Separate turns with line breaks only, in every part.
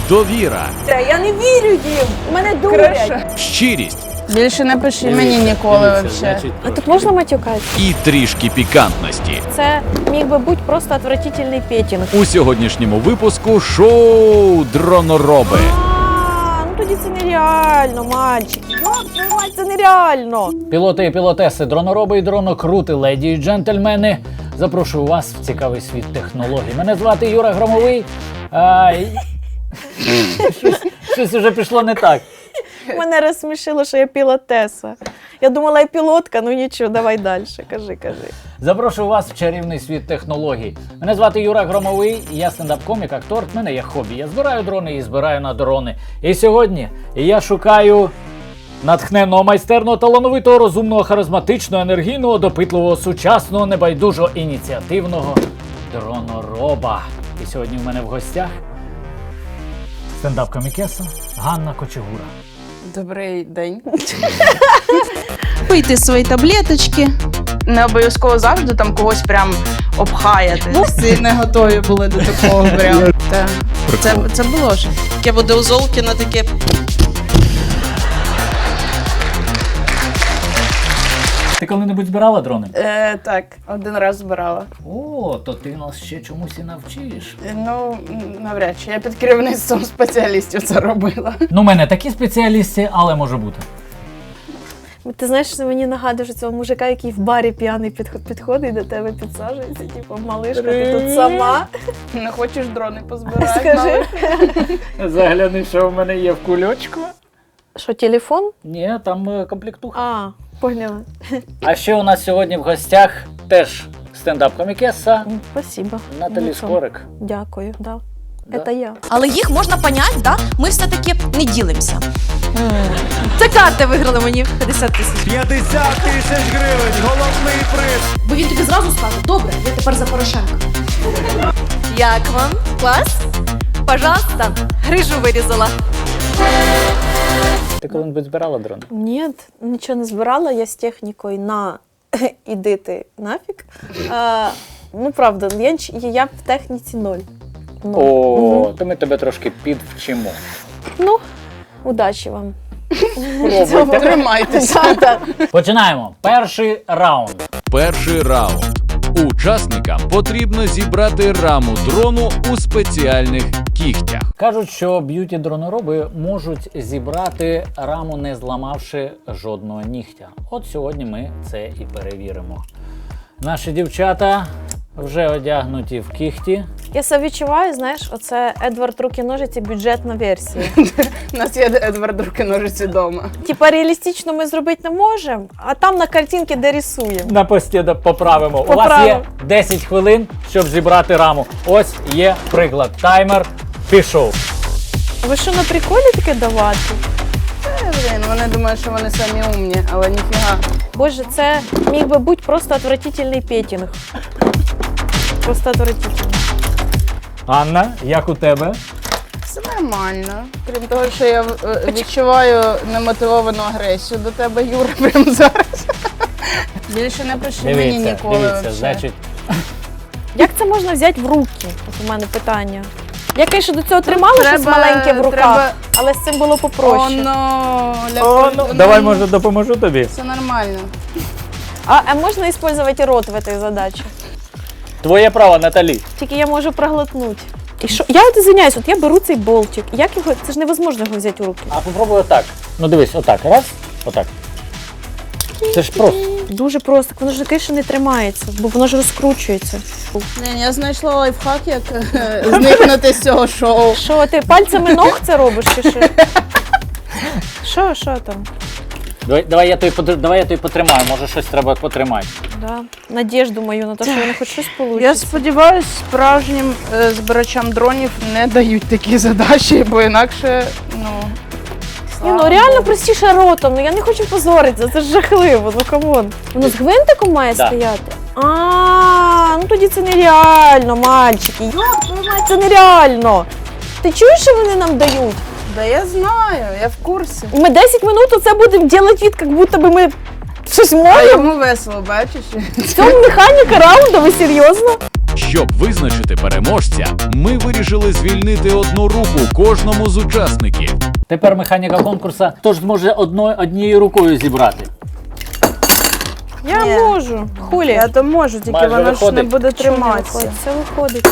довіра,
Я не вірю їм, мене дурять.
щирість
Більше не пиши мені ніколи взагалі.
А тут можна матюкати?
і трішки пікантності.
Це міг би бути просто отвратительний петінг.
У сьогоднішньому випуску шоу «Дронороби».
Ну тоді це нереально, мальчики. Це нереально.
Пілоти і пілотеси, дронороби і дронокрути, леді і джентльмени. Запрошую вас в цікавий світ технологій. Мене звати Юра Громовий. Щось уже пішло не так.
Мене розсмішило, що я пілотеса. Я думала, я пілотка, ну нічого, давай далі. Кажи.
Запрошую вас в чарівний світ технологій. Мене звати Юра Громовий, я стендап-комік, актор, в мене є хобі. Я збираю дрони і збираю на дрони. І сьогодні я шукаю натхненного, майстерного, талановитого, розумного, харизматичного, енергійного, допитливого, сучасного, небайдужого, ініціативного дронороба. І сьогодні в мене в гостях стендап-комікеса Ганна Кочегура.
Добрий день.
Пийте свої таблеточки.
Не обов'язково завжди там когось прям обхаяти.
Всі не готові були до такого прям. Це було ж. Таке буде у Золкіна, таке.
Ти коли-небудь збирала дрони?
Так, один раз збирала.
О, то ти нас ще чомусь і навчиш.
Ну, навряд чи. Я під керівництвом спеціалістів це робила.
Ну, в мене такі спеціалісти, але може бути.
Ти знаєш, що мені нагадуєш цього мужика, який в барі п'яний підходить до тебе, підсаджується, типу, малишка, ти тут сама.
Не хочеш дрони позбирати?
Скажи.
Загляни, що в мене є в кульочку.
Що, телефон?
Ні, там комплектуха.
А, поняла.
А ще у нас сьогодні в гостях теж стендап-комікеса
Спасибо.
Наталі
Ну, що?
Скорик.
Дякую, да.
Да.
Це я.
Але їх можна понять, да? Ми все-таки не ділимося. Це карти виграли мені 50 тисяч.
50 тисяч гривень, головний приз.
Бо він тобі зразу скаже, добре, я тепер за Порошенка. Як вам? Клас? Пожалуйста, грижу вирізала.
Ти коли-небудь збирала дрон?
Ні, нічого не збирала, я з технікою на іди ти нафіг. Ну, правда, я в техніці ноль.
О, то ми тебе трошки підвчимо.
Ну, удачі вам.
Тримайтеся.
Починаємо. Перший раунд.
Перший раунд. Учасникам потрібно зібрати раму дрону у спеціальних кігтях.
Кажуть, що б'юті-дронороби можуть зібрати раму, не зламавши жодного нігтя. От сьогодні ми це і перевіримо. Наші дівчата вже одягнуті в кігті.
Я себе відчуваю, знаєш, оце Едвард руки-ножиці бюджетна версія.
У нас є Едвард руки-ножиці вдома.
Типа реалістично ми зробити не можемо, а там на картинці де рисуємо.
На пості поправимо. У вас є 10 хвилин, щоб зібрати раму. Ось є приклад. Таймер пішов.
Ви що, на приколі таке давати?
Блін, вони думають, що вони самі умні, але ніфіга.
Боже, це міг би бути просто отвратительний петінг. Просто отвратительний.
Анна, як у тебе?
Все нормально. Крім того, що я відчуваю немотивовану агресію до тебе, Юра, прямо зараз. Більше не пиши мені ніколи.
Дивіться, значить,
Як це можна взяти в руки? От у мене питання. Я, звісно, до цього тримала щось маленьке в руках, але з цим було попроще.
давай, може, допоможу тобі.
Все нормально.
А можна використовувати рот в цій задачі?
Твоє право, Наталі.
Тільки я можу проглотнути. І що? Я от извиняюсь, от я беру цей болтик. Як його? Це ж невозможно його взяти у руки.
А попробуй отак. Ну дивись, отак. Раз, отак. Це ж просто.
Дуже просто. Воно ж таке, що не тримається, бо воно ж розкручується.
Блін, я знайшла лайфхак, як зникнути з цього шоу.
Що, ти пальцями ног це робиш чи що? Що там?
Давай я тобі потримаю, може щось треба потримати.
Да. Надіжду мою на те, що вони хоч щось получать.
Я сподіваюся, справжнім збирачам дронів не дають такі задачі, бо інакше,
Ні, ну реально простіше ротом, ну я не хочу позоритися, це ж жахливо, ну камон. Воно з гвинтиком має стояти? Ну тоді це нереально, мальчики. Це нереально. Ти чуєш, що вони нам дають?
Да я знаю, я в курсі.
Ми 10 минут оце будемо робити від, як будто би ми щось
А
можемо.
йому весело, бачиш?
В цьому механіка раунду, ви серйозно?
Щоб визначити переможця, ми вирішили звільнити одну руку кожному з учасників.
Тепер механіка конкурсу тож зможе однією рукою зібрати.
Я
Ні.
можу. Хулі.
Я то можу, тільки
Майже
воно ж не
виходить.
буде
Що не
триматися.
виходить? Все виходить.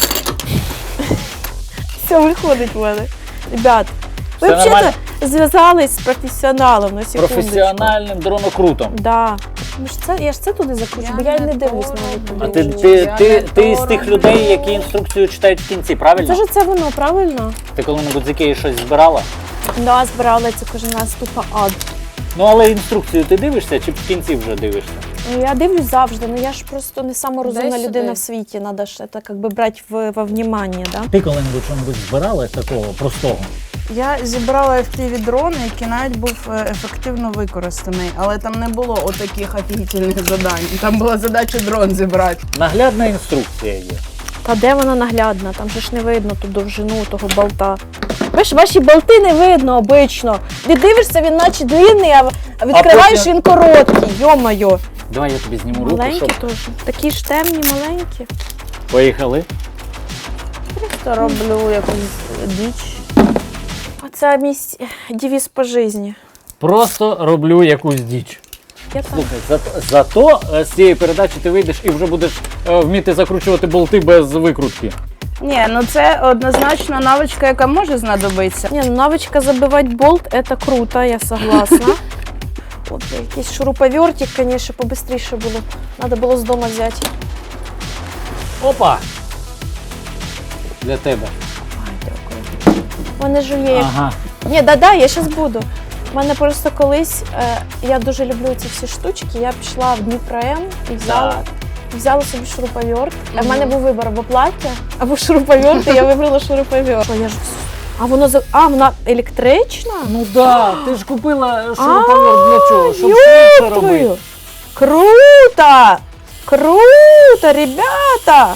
Все виходить в мене. Ребят, ви
Все
взагалі
нормально?
зв'язались з професіоналом на секундочку.
Професіональним дронокрутом.
Да. Я ж це туди закручу, бо я й не дивлюсь на
А
YouTube.
ти з тих людей, які інструкцію читають в кінці, правильно?
Це ж це воно, правильно?
Ти коли-небудь з Ікеї щось збирала?
Да, збирала це кожен раз тупо ад.
Ну але інструкцію ти дивишся чи в кінці вже дивишся?
Ну, я дивлюсь завжди, ну я ж просто не сама розумна
Дай
людина
сюди.
в світі, треба ж це как би брати во внимание, да?
Ти коли-небудь щось збирала такого простого?
Я зібрала FPV дрон, який навіть був ефективно використаний, але там не було отаких офігітельних задань. Там була задача дрон зібрати.
Наглядна інструкція є.
Та де вона наглядна? Там же ж не видно ту довжину того болта. Ви ж ваші болти не видно обично. Дивишся, він наче длинний, а відкриваєш,
потім-
він короткий. Йо-моє.
Давай я тобі зніму руку,
Маленькі
щоб...
теж. Такі ж темні, маленькі.
Поїхали.
Просто роблю якусь діч.
Оце мій девіз по житті.
Просто роблю якусь діч.
Я так.
Слухай, зато з цієї передачі ти вийдеш і вже будеш вміти закручувати болти без викрутки.
Ні, ну це однозначно навичка, яка може знадобитися.
Не, ну навичка забивати болт, это круто, я согласна. От якийсь шуруповертик, конечно, побыстріше було. Надо було з дому взяти.
Опа! Для тебе.
Ай, дякую. Мене жує. Як...
Ага.
Ні, да, я зараз буду. У мене просто колись, я дуже люблю ці всі штучки, я пішла в Дніпро М і взяла собі шуруповерт. А в мене був вибір або плаття, або шуруповерт, і я вибрала шуруповерт. Що, я ж... А воно вона електрична?
Ну да, ти ж купила шуруповерт для чого? Щоб швидше робити.
Ёпрую! Круто! Круто, ребята!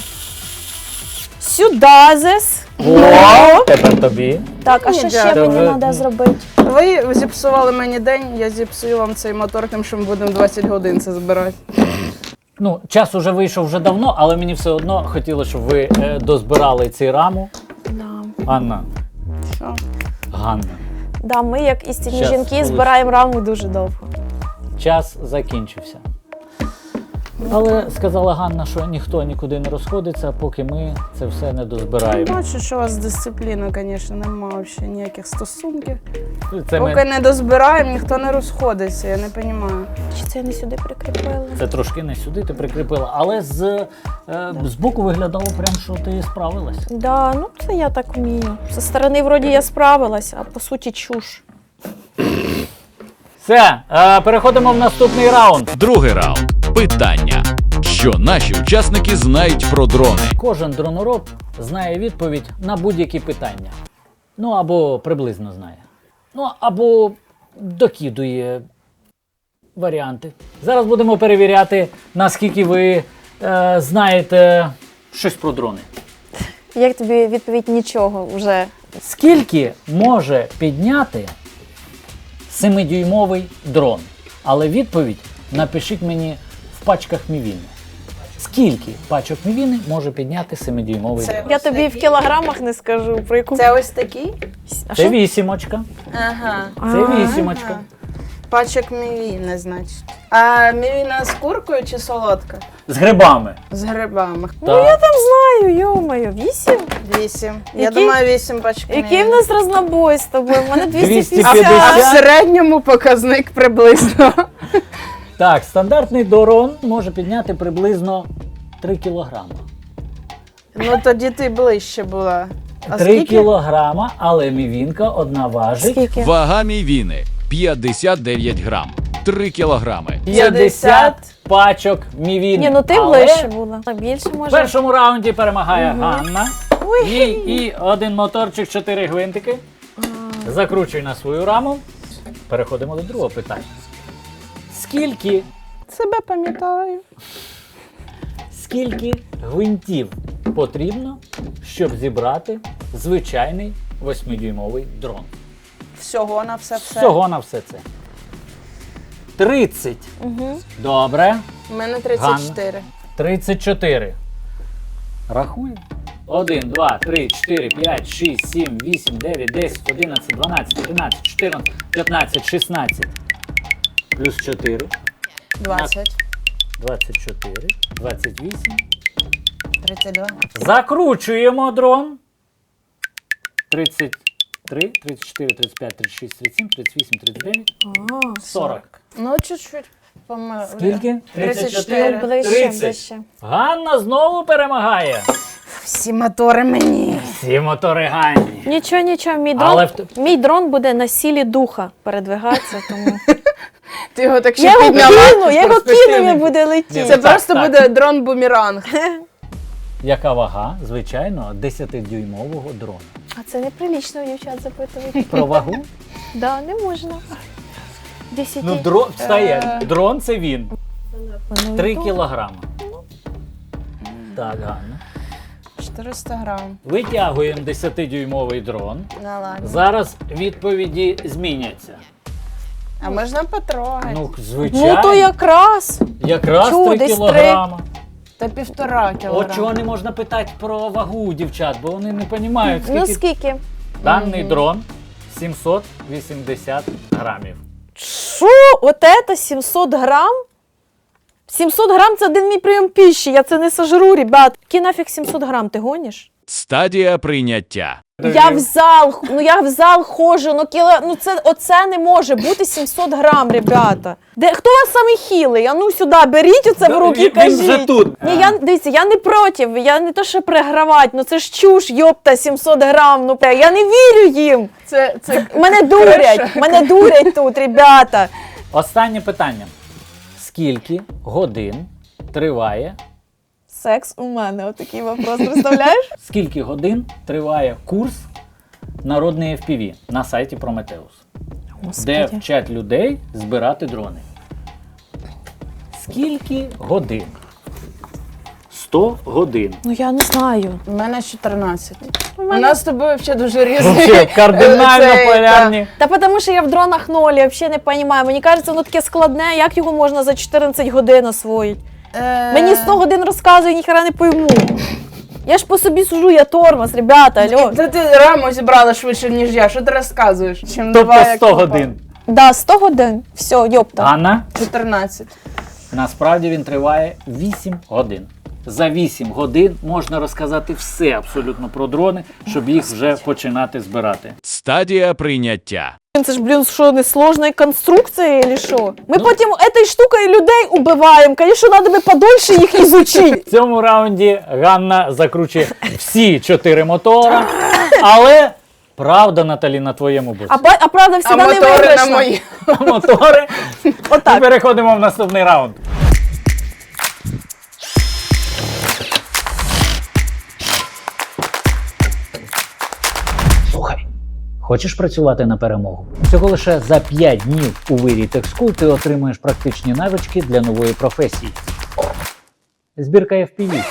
Сюда зес.
О, тепер тобі.
Так, а що ще
Дякую.
мені треба зробити?
Ви зіпсували мені день, я зіпсую вам цей мотор, тим, що ми будемо 20 годин це збирати.
Ну, час уже вийшов вже давно, але мені все одно хотілося, щоб ви дозбирали цю раму.
Да.
Анна.
Що?
Ганна.
Да, ми, як істинні
Щас,
жінки,
хвилинку.
збираємо раму дуже довго.
Час закінчився. Але сказала Ганна, що ніхто нікуди не розходиться, поки ми це все не дозбираємо.
Бачу, що у вас з дисципліною, звісно, немає взагалі ніяких стосунків.
Це,
Поки не дозбираємо, ніхто не розходиться, я не розумію.
Чи це я не сюди прикріпила?
це трошки не сюди ти прикріпила, але з боку виглядало прям, що ти справилась.
Да, ну це я так вмію. Зі сторони вроді я справилась, а по суті чуш.
Все, переходимо в наступний раунд.
Другий раунд. Питання. Що наші учасники знають про дрони?
Кожен дронороб знає відповідь на будь-які питання. Ну або приблизно знає. Ну або докидує варіанти. Зараз будемо перевіряти, наскільки ви знаєте щось про дрони.
Як тобі відповідь нічого вже?
Скільки може підняти 7-дюймовий дрон? Але відповідь напишіть мені в пачках мівіни. Скільки пачок мівіни може підняти 7-дюймовий дрон?
Я тобі в кілограмах не скажу, про яку.
Це ось такий?
А
Це
що?
вісімочка.
Ага.
Це вісімочка.
Пачок мівіни, значить. А мівіна з куркою чи солодка?
З грибами.
З грибами.
Ну я там знаю, йо-моє, 8?
8. Я
Який-
думаю, 8 пачок мівіни.
Який в нас разнобой з тобою? У мене 250.
250.
А в середньому показник приблизно.
Так, стандартний дрон може підняти приблизно 3 кілограма.
Ну тоді ти ближче була. А
3
скільки?
кілограма, але мівінка одна важить
Скільки?
Вага мівіни 59 грам. 3 кілограми.
50 пачок мівіни.
Ні, ну ти
Але
ближче була. А більше
в
може.
першому раунді перемагає Ганна. Їй і один моторчик, 4 гвинтики. Закручуй на свою раму. Переходимо до другого питання. Скільки
Себе пам'ятаю.
Скільки гвинтів потрібно, щоб зібрати звичайний 8-дюймовий дрон?
Всього на все.
Всього на все це. 30.
Угу.
Добре.
У мене 34.
34. Рахуємо. 1, 2, 3, 4, 5, 6, 7, 8, 9, 10, 11, 12, 13, 14, 15, 16. Плюс 4.
20,
24, 28.
32.
Закручуємо дрон. 33, 34, 35, 36, 37, 38, 39, 40.
Ну, чуть-чуть помилує.
Скільки?
34.
Ближче,
30.
ближче.
Ганна знову перемагає.
Всі мотори мені.
Всі мотори Ганні.
Нічого, нічого,
Але
мій дрон буде на сілі духа передвигатися, тому...
Ти його так
Я
ще
його
підняла.
кину, я його кину, він буде летіти.
Це
Так,
просто
так.
буде дрон-бумеранг.
Яка вага, звичайно, 10-дюймового дрона?
А це неприлічно у дівчат запитувати.
Про вагу?
Да, не можна. 10.
Ну, дрон, встає. Дрон це він.
Ну,
3
то-
кілограми. Так, Ганна.
400 грам.
Витягуємо 10-дюймовий дрон.
Ну, ладно.
Зараз відповіді зміняться.
А можна потрогати?
Ну, звичайно.
Ну то якраз.
Якраз
Чу,
3
десь
кілограма.
Та 1,5 кілограма.
От чого не можна питати про вагу у дівчат, бо вони не розуміють,
Ну
скільки
скільки?
даний дрон 780 грамів.
Що? От це 700 грам? 700 грам це один мій прийом піші, я це не сожру, ребят. Який нафіг 700 грам, ти гониш?
Стадія прийняття.
Я в зал ходжу, оце не може бути 700 грам, ребята. Хто у вас самий хілий? А ну сюди, беріть оце в руки і
Він вже
кажіть.
тут.
Ні, дивіться, я не проти, я не то, що пригравати, ну це ж чуш, йопта, 700 грам, ну я не вірю їм.
Це
Мене дурять тут, ребята.
Останнє питання. Скільки годин триває,
Секс у мене, отакий вопрос, представляєш?
скільки годин триває курс народної FPV на сайті Prometheus, де вчать людей збирати дрони? Скільки годин? 100 годин.
Ну я не знаю.
У мене 14. У нас з тобою взагалі дуже різні.
Вообще кардинально
Цей,
полярні.
Та тому що я в дронах нолі, взагалі не розумію. Мені кажеться, воно таке складне, як його можна за 14 годин освоїти? Мені 100 годин розказує, ніхера не пойму. Я ж по собі сужу, я тормоз, ребята, алло.
Та ти раму зібрала швидше, ніж я. Що ти розказуєш? Чим
Тобто
два, як
100
попало.
годин.
Да, 100 годин, все, йопта.
Анна?
14.
Насправді він триває 8 годин. За 8 годин можна розказати все абсолютно про дрони, щоб їх вже починати збирати.
Стадія прийняття.
Це ж, блін, що, не сложна конструкція, чи що? Ми потім цією штукою людей убиваємо, звісно, треба би подольше їх ізучити.
В цьому раунді Ганна закручує всі 4 мотора, але правда, Наталі, на твоєму боці.
А правда,
А
всегда не
мотори на
виграшна.
мої.
Мотори.
Отак.
І переходимо в наступний раунд. Слухай, хочеш працювати на перемогу? Всього лише за 5 днів у вирі TechSchool ти отримуєш практичні навички для нової професії. Збірка FPV.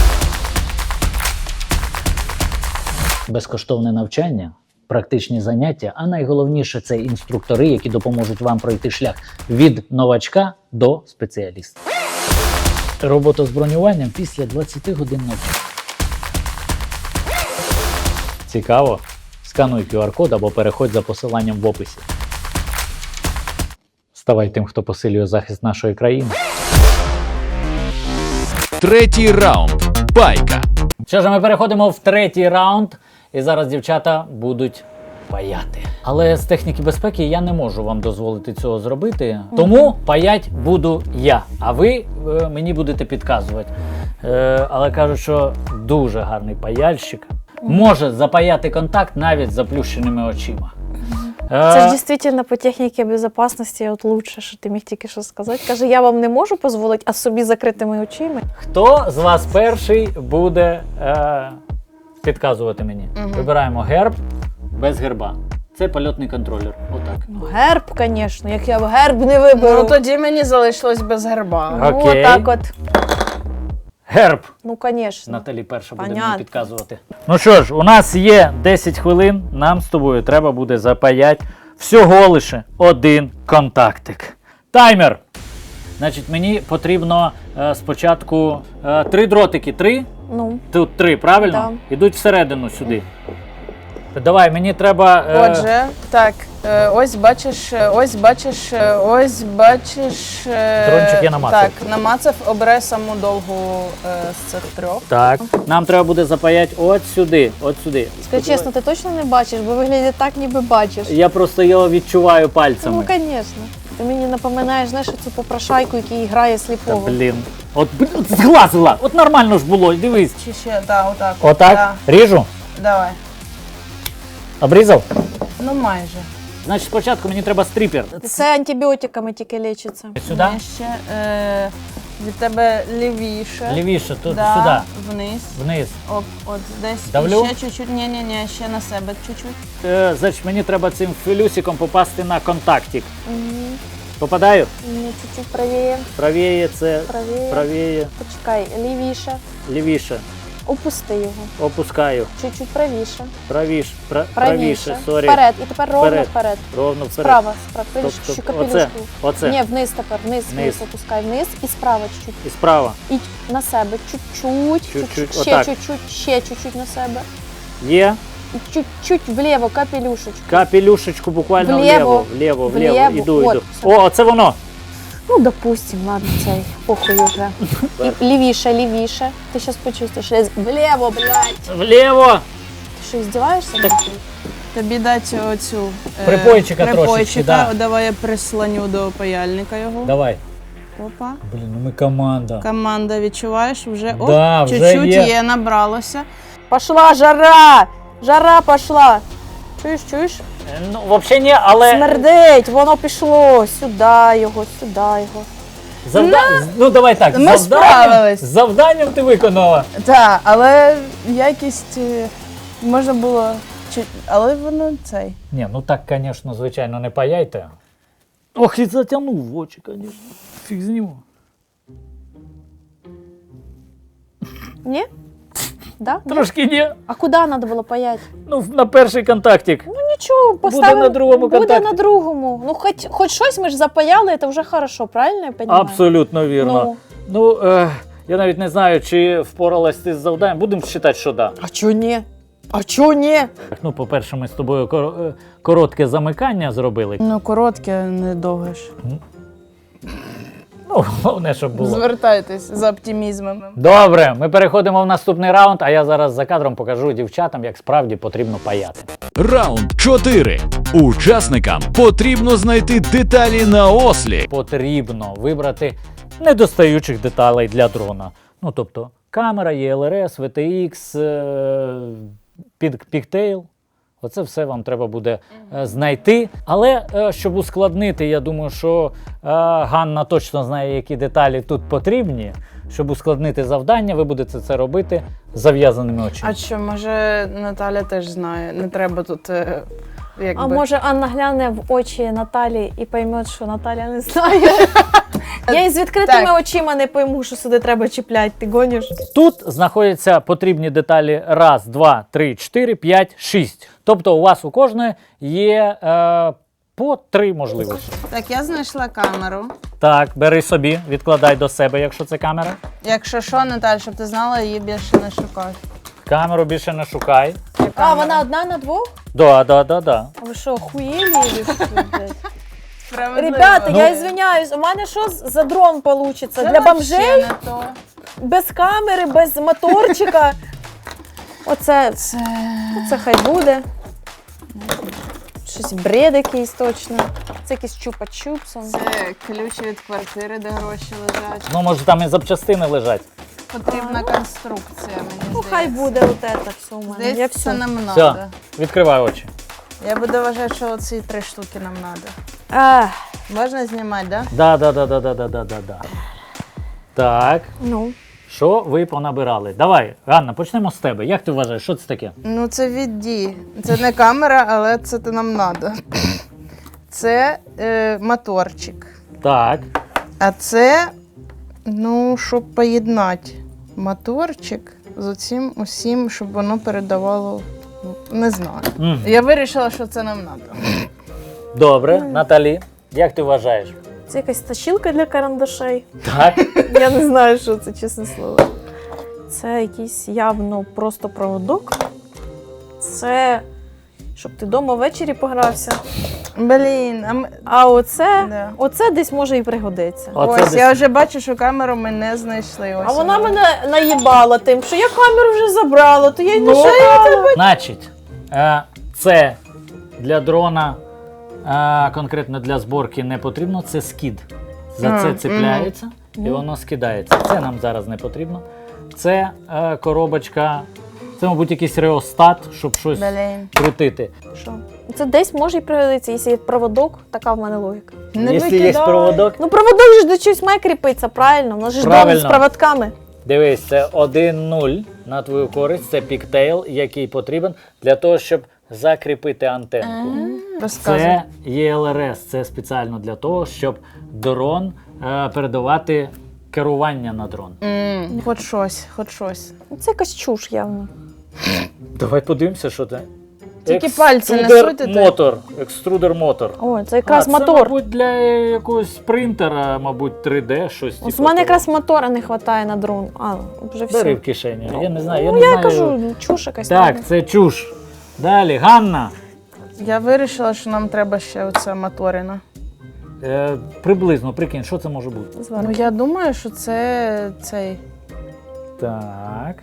Безкоштовне навчання, практичні заняття, а найголовніше це інструктори, які допоможуть вам пройти шлях від новачка до спеціаліста. Робота з бронюванням після 20 годин навчання. Цікаво? Скануй QR-код або переходь за посиланням в описі. Ставай тим, хто посилює захист нашої країни.
Третій раунд. Пайка.
Що ж, ми переходимо в третій раунд, і зараз дівчата будуть паяти. Але з техніки безпеки я не можу вам дозволити цього зробити, тому паять буду я, а ви мені будете підказувати. Але кажуть, що дуже гарний паяльщик може запаяти контакт навіть з заплющеними очима.
Це ж дійсно по техніці безпечності от лучше, що ти міг тільки що сказати. Каже, я вам не можу дозволити, а собі закритими очима.
Хто з вас перший буде підказувати мені? Вибираємо герб без герба. Це польотний контролер. Отак.
Ну, герб, звісно, як я герб не виберу.
Ну тоді мені залишилось без герба.
Ну,
Окей.
отак от.
Герб.
Ну, звісно.
Наталі перша буде
Понятно.
мені підказувати. Ну що ж, у нас є 10 хвилин, нам з тобою треба буде запаяти всього лише один контактик. Таймер! Значить, мені потрібно спочатку 3 дротики. 3?
Ну,
Тут 3, правильно?
Да.
Ідуть всередину сюди. Давай, мені треба.
Отже, так, ось бачиш.
Дрончик я намацав.
Так, намацав, обирай саму довгу з цих 3.
Так. Нам треба буде запаяти от сюди. От сюди.
скажи чесно, ти точно не бачиш, бо виглядає так, ніби бачиш.
Я просто його відчуваю
Ну,
пальцями.
звісно. Ти мені напоминаєш, знаєш, цю попрошайку, який грає
Та,
сліпого.
блін. От зглазила! От нормально ж було, дивись.
Чи ще, так, отак.
Отак?
Да.
Ріжу?
Давай.
Обрізав?
Ну майже.
Значить, спочатку мені треба стріпер.
Це антибіотиками тільки лічиться.
Сюди?
Ні, ще від тебе лівіше.
Лівіше, тут
Да,
сюди.
вниз.
Вниз.
Оп, от десь.
Давлю?
І ще чуть-чуть. Ні, ще на себе чуть-чуть.
Значить, мені треба цим філюсиком попасти на контактик.
Угу.
Попадаю?
Ні, чуть-чуть правіє,
Правіє це,
правіє.
правіє,
Почекай, лівіше.
лівіше.
Опусти його.
Опускаю.
Чуть-чуть правіше.
Правіше, сорі.
Вперед. І тепер ровно
Вперед.
вперед.
Ровно вперед.
Справа. Видиш,
Стоп,
що
стоп.
капелюшку.
Оце.
Ні, вниз тепер, вниз опускай, вниз і справа чуть-чуть.
І справа.
І на себе чуть-чуть,
Чуть-чуть,
ще
отак.
чуть-чуть, ще чуть-чуть на себе.
Є.
І чуть-чуть вліво, капелюшечку.
Капелюшечку буквально
Вліво.
вліво.
Вліво.
Іду.
От, все.
О, оце воно.
Ну, допустим, ладно, цей, похуй уже. І лівіше. Ти зараз почувствуєш. Вліво, блядь.
Вліво.
Ти що, здіваєшся?
Тобі дати оцю
Припойчика трошечки, да.
Давай я прислоню до паяльника його.
Давай.
Опа.
Блін, ну ми команда.
Команда, відчуваєш? Вже оп,
Да, вже
чуть-чуть
є.
є, набралося.
Пошла жара! Жара пошла! Чуєш?
Ну, взагалі ні, але
Смердить, воно пішло. Сюди його.
ну давай так.
Ми справились.
Завданням ти виконала.
Так, але якість можна було. Але воно цей.
Ні, ну так, звісно, звичайно, не паяйте. Ох, і затягнув в очі, звісно. Фіг з нього.
Ні? Да?
Трошки ні.
А куди треба було паять?
Ну, на перший контактик.
Ну нічого, поставимо.
на другому
Буде
контакті.
на другому. Ну, хоч щось ми ж запаяли, це вже хорошо, правильно я розумію?
Абсолютно вірно. Ну, я навіть не знаю, чи впоралась ти з завданням. Будемо вважати, що да.
А чого ні?
Ну, по-перше, ми з тобою коротке замикання зробили.
Ну, коротке, не довге ж.
Ну, головне, щоб було.
Звертайтесь за оптимізмом.
Добре, ми переходимо в наступний раунд, а я зараз за кадром покажу дівчатам, як справді потрібно паяти.
Раунд 4. Учасникам потрібно знайти деталі на ослі.
Потрібно вибрати недостаючих деталей для дрона. Ну, тобто, камера, ЄЛРС, VTX, Pigtail. Оце все вам треба буде знайти. Але щоб ускладнити, я думаю, що Ганна точно знає, які деталі тут потрібні. Щоб ускладнити завдання, ви будете це робити з зав'язаними очима.
А що, може Наталя теж знає? Не треба тут якби...
А може Анна гляне в очі Наталі і пойме, що Наталя не знає? Я із відкритими
Так.
очима не пойму, що сюди треба чіпляти. Ти гониш?
Тут знаходяться потрібні деталі 1, 2, 3, 4, 5, 6. Тобто у вас у кожної є по 3 можливості.
Так, я знайшла камеру.
Так, бери собі, відкладай до себе, якщо це камера.
Якщо що, Наталь, щоб ти знала, її більше не шукай.
Камеру більше не шукай.
А, вона одна на двох?
Да.
А ви що, охуєлі? чи що, блядь?
Справедливо.
Ребята,
Ну,
я извиняюсь, у мене що за дрон получиться?
Це
Для
вообще
бомжей?
не то.
Без камери, без моторчика. Оце, це хай буде. Щось бред якийсь точно. Це якийсь чупа-чупс.
Це ключі від квартири, де гроші лежать.
Ну, може, там і запчастини лежать.
Потрібна конструкція, мені
Ну,
здається.
хай буде от це все у мене. Я
Здається,
все.
це нам
Все,
треба.
відкривай очі.
Я буду вважати, що оці 3 штуки нам треба. Можна знімати, так?
Да. Так,
Ну,
що ви понабирали? Давай, Ганна, почнемо з тебе. Як ти вважаєш, що це таке?
Ну, це відді. Це не камера, але це нам треба. Це моторчик.
Так,
А це, ну, щоб поєднати моторчик з оцим усім, щоб воно передавало. Ну, не знаю.
Мгм.
Я вирішила, що це нам треба.
добре. Наталі, як ти вважаєш?
це якась тащілка для карандашей.
Так.
Я не знаю, що це, чесне слово. Це якийсь явно просто проводок. Це щоб ти вдома ввечері погрався.
Блін,
А оце,
Да.
оце десь може і пригодиться.
Оце
ось,
десь-
я вже бачу, що камеру ми не знайшли. Ось
А вона мене наїбала тим, що я камеру вже забрала, то я й не шукала.
Значить, це для дрона, конкретно для зборки не потрібно, це скид. За це цепляється і воно скидається. Це нам зараз не потрібно. Це коробочка, це, мабуть, якийсь реостат, щоб щось
Блін.
крутити.
Що? Це десь може і пригодиться, якщо є проводок, така в мене логіка.
Не
Якщо є
викидай.
проводок,
Ну проводок же до чогось має кріпитися, правильно? У нас же ж дом
Правильно.
з проводками.
дивись, це 1-0 на твою користь, це піктейл, який потрібен для того, щоб закріпити антенку.
Розказуй.
Це ЄЛРС, це спеціально для того, щоб дрон передавати керування на дрон.
Хоч щось, хоч щось.
Ну, це якась чуш явно.
Давай подивимося, що це.
Тільки пальці не
Екструдер
суйте ти.
мотор. Екструдер мотор.
О, це якраз
це,
мотор.
мабуть, для якогось принтера, мабуть, 3D, щось.
Ось
типу
у мене
того.
якраз мотора не вистачає на дрон. А, вже все.
Бери в кишені. Я не знаю, я
Ну
не
я
знаю.
кажу, чуш якась.
Так, це чуш. Далі, Ганна.
Я вирішила, що нам треба ще оце моторина.
Приблизно, прикинь, що це може бути?
Ну я думаю, що це цей.
Так,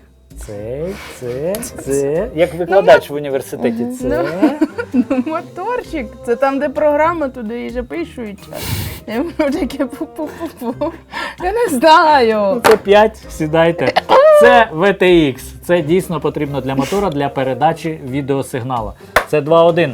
це. Як викладач в університеті. Це.
Моторчик. Це там, де програма, туди і запишуть. Я можу таке пу-пу-пу-пу. Я не знаю.
Це 5, сідайте. Це VTX. Це дійсно потрібно для мотора для передачі відеосигналу. Це 2.1.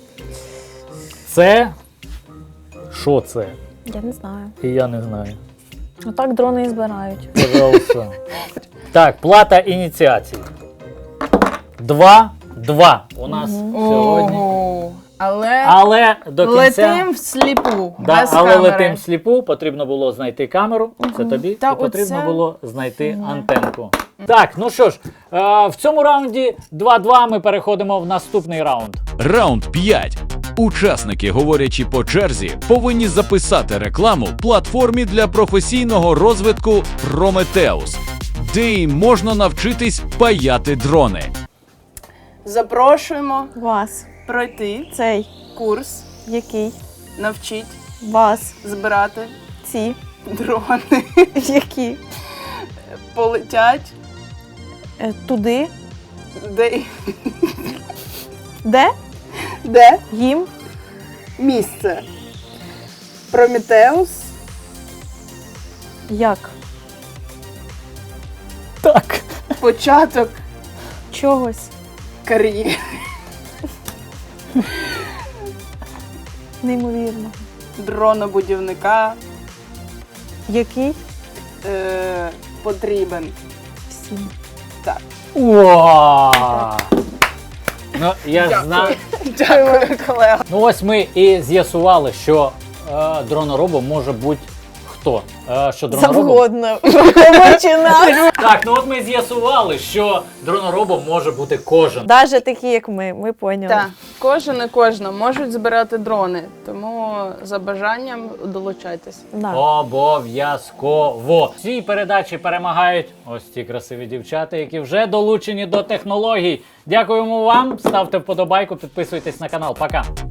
Це. Що це?
Я не знаю.
І я не знаю.
Отак дрони і збирають.
Пожалуйста. Так, плата ініціації. 2-2 у нас сьогодні.
Ого. Але
Але до кінця.
летим всліпу.
Да,
без
але
камери.
летим сліпу, потрібно було знайти камеру, це тобі,
Та
і потрібно
оце-
було знайти антенку. Так, ну що ж, в цьому раунді 2-2 ми переходимо в наступний раунд.
Раунд 5. Учасники, говорячи по черзі, повинні записати рекламу платформі для професійного розвитку Prometheus, де їм можна навчитись паяти дрони.
Запрошуємо
Вас.
пройти
Цей.
курс,
Який?
навчить
Вас.
збирати
Ці.
дрони.
Які?
Полетять,
Туди.
де,
Де?
де
Їм.
місце. Прометеус.
Як?
Так.
Початок
Чогось.
кар'єри.
Неймовірно.
Дронобудівника
Який?
потрібен.
Всім.
Так.
Уа! Ну, я ж знаю.
Дякую, колега.
Ну ось ми і з'ясували, що дрономоробом може бути хто? Що дроноробом?
Завгодно. Починати.
Так, ну от ми з'ясували, що дроноробом може бути кожен.
Навіть такі, як ми поняли.
Так, кожен і кожна можуть збирати дрони, тому за бажанням долучайтесь.
Да.
Обов'язково. В цій передачі перемагають ось ці красиві дівчата, які вже долучені до технологій. Дякуємо вам, ставте вподобайку, підписуйтесь на канал. Пока.